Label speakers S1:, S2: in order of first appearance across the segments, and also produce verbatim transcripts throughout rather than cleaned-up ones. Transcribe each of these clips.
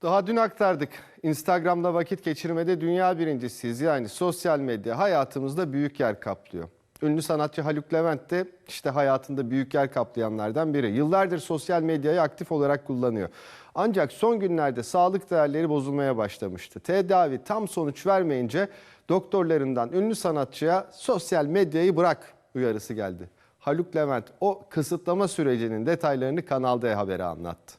S1: Daha dün aktardık. Instagram'da vakit geçirmede dünya birincisiyiz. Yani sosyal medya hayatımızda büyük yer kaplıyor. Ünlü sanatçı Haluk Levent de işte hayatında büyük yer kaplayanlardan biri. Yıllardır sosyal medyayı aktif olarak kullanıyor. Ancak son günlerde sağlık değerleri bozulmaya başlamıştı. Tedavi tam sonuç vermeyince doktorlarından ünlü sanatçıya sosyal medyayı bırak uyarısı geldi. Haluk Levent o kısıtlama sürecinin detaylarını Kanal D Haber'e anlattı.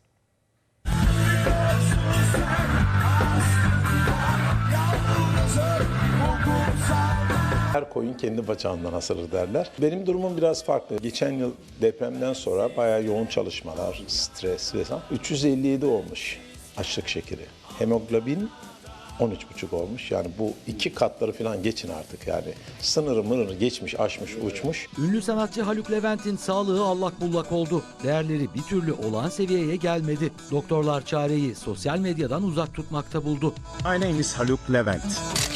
S2: Her koyun kendi bacağından asılır derler. Benim durumum biraz farklı. Geçen yıl depremden sonra bayağı yoğun çalışmalar, stres vesaire. üç yüz elli yedi olmuş açlık şekeri. Hemoglobin on üç buçuk olmuş. Yani bu iki katları falan geçin artık yani. Sınırı mırını geçmiş, aşmış, uçmuş.
S3: Ünlü sanatçı Haluk Levent'in sağlığı allak bullak oldu. Değerleri bir türlü olağan seviyeye gelmedi. Doktorlar çareyi sosyal medyadan uzak tutmakta buldu.
S4: My name is Haluk Levent.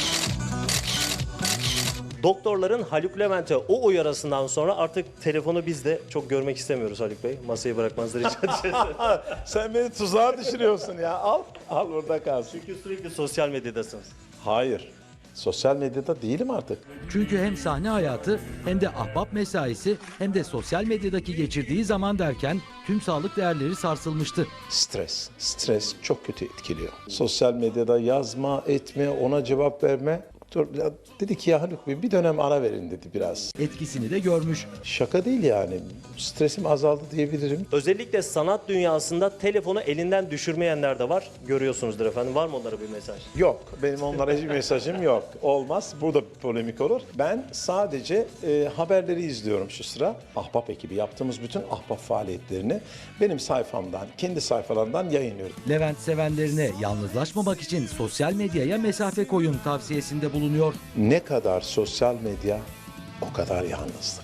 S5: Doktorların Haluk Levent'e o uyarısından sonra artık telefonu biz de çok görmek istemiyoruz Haluk Bey. Masayı bırakmanızı rica edeceğiz.
S2: Sen beni tuzağa düşürüyorsun ya. Al, al orada kalsın.
S5: Çünkü sürekli sosyal medyadasınız.
S2: Hayır. Sosyal medyada değilim artık.
S3: Çünkü hem sahne hayatı hem de ahbap mesaisi hem de sosyal medyadaki geçirdiği zaman derken tüm sağlık değerleri sarsılmıştı.
S2: Stres. Stres çok kötü etkiliyor. Sosyal medyada yazma, etme, ona cevap verme. Doktor dedi ki ya Haluk Bey bir dönem ara verin dedi biraz.
S3: Etkisini de görmüş.
S2: Şaka değil yani. Stresim azaldı diyebilirim.
S5: Özellikle sanat dünyasında telefonu elinden düşürmeyenler de var. Görüyorsunuzdur efendim. Var mı onlara bir mesaj?
S2: Yok. Benim onlara hiçbir mesajım yok. Olmaz. Burada bir polemik olur. Ben sadece e, haberleri izliyorum şu sıra. Ahbap ekibi yaptığımız bütün ahbap faaliyetlerini benim sayfamdan, kendi sayfalarından yayınlıyorum.
S3: Levent sevenlerine yalnızlaşmamak için sosyal medyaya mesafe koyun tavsiyesinde bulunuyor.
S2: Ne kadar sosyal medya o kadar yalnızlık.